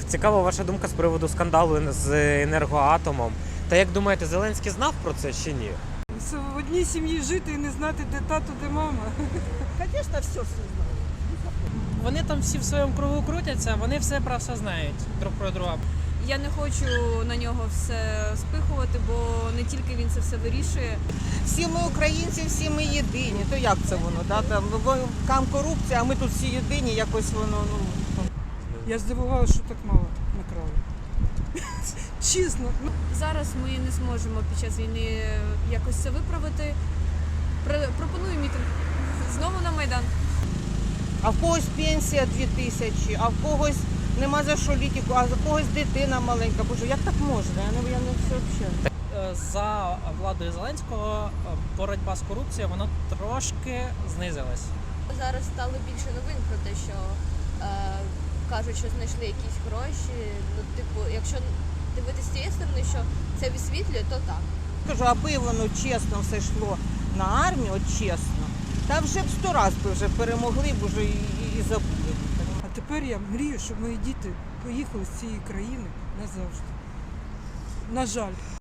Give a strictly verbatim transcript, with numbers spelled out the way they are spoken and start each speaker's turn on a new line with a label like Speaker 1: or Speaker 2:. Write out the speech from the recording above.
Speaker 1: Цікава ваша думка з приводу скандалу з енергоатомом. Та як думаєте, Зеленський знав про це чи ні?
Speaker 2: В одній сім'ї жити і не знати, де тато, де мама.
Speaker 3: Звісно, все все знаю.
Speaker 4: Вони там всі в своєму кругу крутяться, вони все про все знають друг про друга.
Speaker 5: Я не хочу на нього все спихувати, бо не тільки він це все вирішує.
Speaker 3: Всі ми українці, всі ми єдині. То як це воно? Да? Там, там корупція, а ми тут всі єдині, якось воно, ну...
Speaker 2: Я здивувалася, що так мало накрали. Чесно. Ну,
Speaker 5: Зараз ми не зможемо під час війни якось це виправити. Пр- Пропоную мітинг знову на Майдан.
Speaker 3: А в когось пенсія дві тисячі, а в когось нема за що літіку, а в когось дитина маленька. Боже, як так можна? Я не, я не все взагалі.
Speaker 4: Е, За владою Зеленського е, боротьба з корупцією, вона трошки знизилась.
Speaker 6: Зараз стало більше новин про те, що е, кажуть, що знайшли якісь гроші. Ну, типу, якщо дивитися з цієї сторони, що це висвітлює, то так.
Speaker 3: Кажу, аби воно чесно все йшло на армію, от чесно, та вже б сто раз би вже перемогли б уже і, і, і забули.
Speaker 2: а тепер я мрію, щоб мої діти поїхали з цієї країни назавжди. На жаль.